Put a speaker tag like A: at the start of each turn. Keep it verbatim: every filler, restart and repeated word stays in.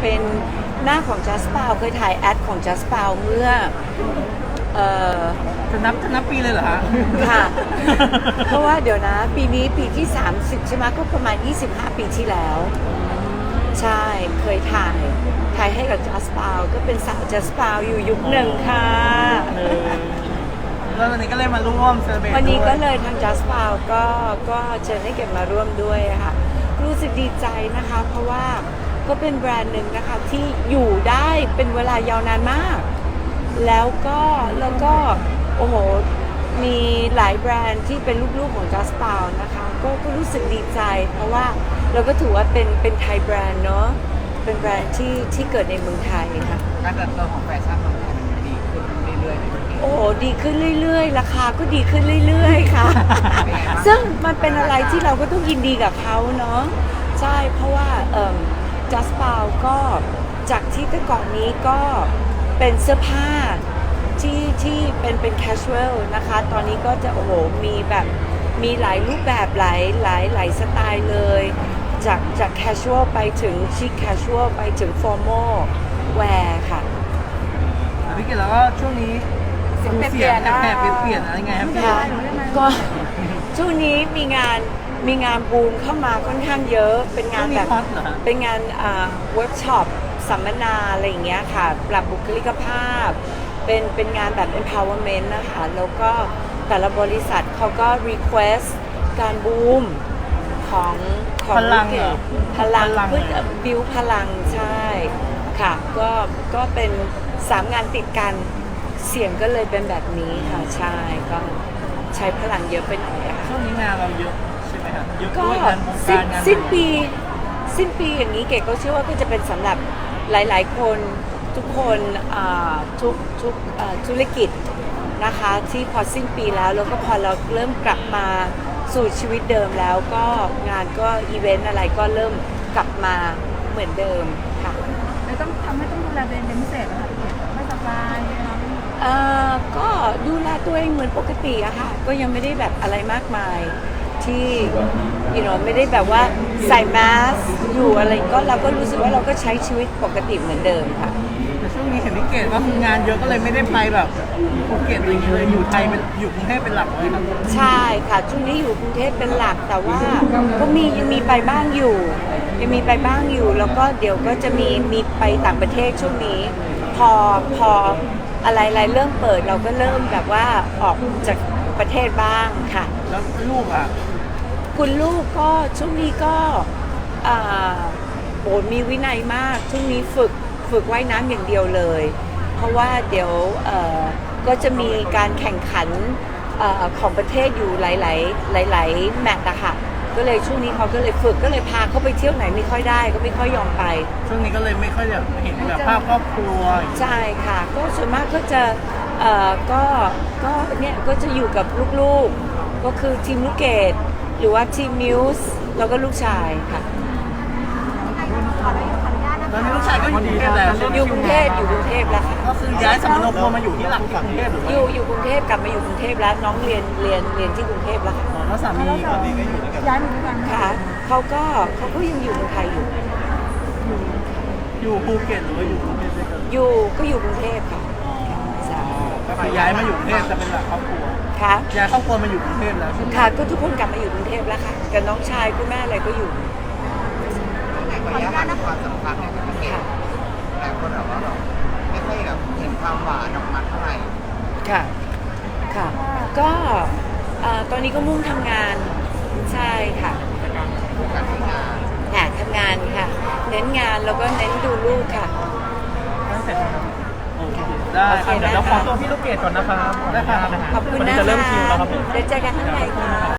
A: เป็นหน้าของ Just Pal เคยถ่ายแอดของ Just Pal เมื่อเอ่อ
B: จะนับจะนับปีเลยเหรอฮะ
A: ค่ะ เพราะว่าเดี๋ยวนะปีนี้ปีที่สามสิบใช่ไหมก็ประมาณยี่สิบห้าปีที่แล้ว ใช่เคยถ่ายถ่ายให้กับ Just Pal ก็เป็นสาว Just Pal อยู่ยุคหนึ่งค่ะ
B: แล้ววันนี้ก็เลยมาร่วมเซอร์เบรต
A: วันนี้ก็
B: ด้วย
A: เลยทาง Just Pal ก็ก็เชิญให้เก็บมาร่วมด้วยค่ะรู้สึกดีใจนะคะ เพราะว่าก็เป็นแบรนด์หนึ่งนะคะที่อยู่ได้เป็นเวลายาวนานมาก แล้วก็แล้วก็โอ้โหมีหลายแบรนด์ที่เป็นลูกๆของ Just Pal นะคะก็ก็รู้สึกดีใจ เพราะว่าเราก็ถือว่าเป็นเป็นไทยแบรนด์เนาะเป็นแบรนด์ที่ที่เกิดในเมืองไทยค่ะ
B: การเติบโตของแฟชั่นเมืองไทยมันดีขึ้นเรื่อยๆ
A: โอ้โหดีขึ้นเรื่อยๆ ราคาก็ดีขึ้นเรื่อยๆ ค่ะ ซึ่งมันเป็นอะไรที่เราก็ต้องยินดีกับเขาเนาะใช่เพราะว่าเอ่อ Just Pal ก็จากที่แต่ก่อนนี้ก็เป็นเสื้อผ้าที่ที่เป็นเป็น casual นะคะ ตอนนี้ก็จะโอ้โหมีแบบมีหลายรูปแบบหลายหลายหลายสไตล์เลย จากจาก casual ไปถึง chic casual ไปถึง formal wear ค่ะ
B: พี่เกดแล้วก็ช่วงนี้
A: เสียง
B: ดู
A: เปลี่ยนๆนะ
B: แปลกๆเปลี่ยนๆอะไรไงครับพี่
A: ค่ะก็ช่วงนี้มีงานมีงานบูมเข้ามาค่อนข้างเยอะ เป็นงานแบบ
B: ฮอตเหรอฮะ
A: เป็นงานเวิร์กช็อปสัมมนาอะไรอย่างเงี้ยค่ะ ปรับบุคลิกภาพ เป็นเป็นงานแบบ empowerment นะคะ แล้วก็แต่ละบริษัทเขาก็ request การบูมของของ
B: พลังเหรอ
A: พลัง
B: พลัง
A: เพื่อบิวพลังใช่ค่ะ ก็ก็เป็นสามงานติดกันเสียงก็เลยเป็นแบบนี้ค่ะใช่ก็ใช้พลังเยอะไปหน่อยอะค่ะ
B: ช่วงนี้งานเราเยอะใช่ไหมครับเยอะ
A: ก็
B: ด้วยงานวง
A: สิ้น
B: การงาน
A: สิ้นปีสิ้นปีอย่างนี้เก๋ก็เชื่อว่าก็จะเป็นสำหรับหลาย ๆ คนทุกคนอ่าทุกทุกอ่าธุรกิจนะคะที่พอสิ้นปีแล้วแล้วก็พอเราเริ่มกลับมาสู่ชีวิตเดิมแล้วก็งานก็อีเวนต์อะไรก็เริ่มกลับมาเหมือนเดิมค่ะ
C: แล้วต้องทำให้ต้องดูแลตัวเองเป็นพิเศษนะคะไม่สบายนะคะ
A: เอ่อก็ดูแลตัวเองเหมือนปกติอะค่ะ ก็ยังไม่ได้แบบอะไรมากมายที่ you know ไม่ได้แบบว่าใส่แมสอยู่อะไรก็เราก็รู้สึกว่าเราก็ใช้ชีวิตปกติเหมือนเดิมค่ะ
B: แต่ช่วงนี้เห็นพี่เกดว่าคืองานเยอะก็เลยไม่ได้ไปแบบภูเก็ตอะไรอย่างเงี้ยเลยอยู่ไทยเป็นอยู่กรุงเทพเป็นหลักเลยครับ
A: ใช่ค่ะช่วงนี้อยู่กรุงเทพเป็นหลักแต่ว่าก็มียังมีไปบ้างอยู่ ยังมีไปบ้างอยู่ แล้วก็เดี๋ยวก็จะมีมีไปต่างประเทศช่วงนี้ พอพออะไรอะไรเริ่มเปิดเราก็เริ่มแบบว่าออกจากประเทศบ้างค่ะ
B: แล้วลูกอ่ะ
A: คุณลูกก็ช่วงนี้ก็อ่าโหมีวินัยมากช่วงนี้ฝึกฝึกว่ายน้ำอย่างเดียวเลย เพราะว่าเดี๋ยวเอ่อก็จะมีการแข่งขันเอ่อของประเทศอยู่หลายๆหลายๆแมตช์อะค่ะก็เลยช่วงนี้เขาก็เลยฝึกก็เลยพาเขาไปเที่ยวไหนไม่ค่อยได้ก็ไม่ค่อยยอมไป
B: ช่วงนี้ก็เลยไม่ค่อยอยากเห็นแบบภาพครอบครัว
A: ใช่ค่ะก็ส่วนมากก็จะเอ่อก็ก็เนี่ยก็จะอยู่กับลูกๆก็คือทีมลูกเกดหรือว่าทีมมิวส์แล้วก็ลูกชายค่ะ
B: ตอนนี้ลูกชายก็อยู่กรุงเทพแล้ว
A: อยู่กรุงเทพอยู่กรุงเทพแล้วค่ะ
B: ก็คือย้ายสมโนครัวมาอยู่ที่หลักที่กรุงเทพหรือ
A: อ
B: ว่า
A: ยู่อยู่กรุงเทพกลับมาอยู่กรุงเทพแล้วน้องเรียนเรียนเรียนที่กรุงเทพแล้วค่ะ
B: อ๋อแล้วสามีก็ดีก็อยู่ด้วยกัน
C: ย้ายมาด้วยกัน
A: ค่ะเขาก็เขาก็ยังอยู่เมืองไทยอยู่
B: อยู่ภูเก็ตหรือว่าอยู่กรุงเทพด้วยกัน
A: อยู่ก็อยู่กรุงเทพค่ะใช่
B: ก็คือย้ายมาอยู่กรุงเทพจะเป็นหลักครอบครัว
A: ค่ะ
B: ย้ายครอบครัวมาอยู่กรุงเทพแล้วใช่ไหม
A: ค่ะก็ทุกคนกลับมาอยู่กรุงเทพแล้วค่ะกับน้องชายคุณแม่อะไรก็อยู่
D: ขออนุญาตนะความสัมพันธ์เนี่ยพี่เกด
A: ค่ะ
D: หลายคนแบบว่าเราไม่ค่อยแบบเห็นความหวานออกมาเท่าไหร่
A: ค่ะค่ะก็เอ่อตอนนี้ก็มุ่งทำงานใช่ค่ะ
D: การทำงาน
A: ค่ะทำงานค่ะ เน้นงานแล้วก็เน้นดูลูกค่ะ
B: ตั้งแต่โอเคได้ครับ
A: โอเค
B: เดี๋ยวเราขอ
A: นะคะ
B: ตัวพี่ลูกเกดก่อนนะครับได้ครับ
A: ขอบคุณ
B: วันนี้
A: นะคะ
B: จะเริ่มคิวแล้วครับผม
A: เดี๋ยวเจอกันข้างในค่ะ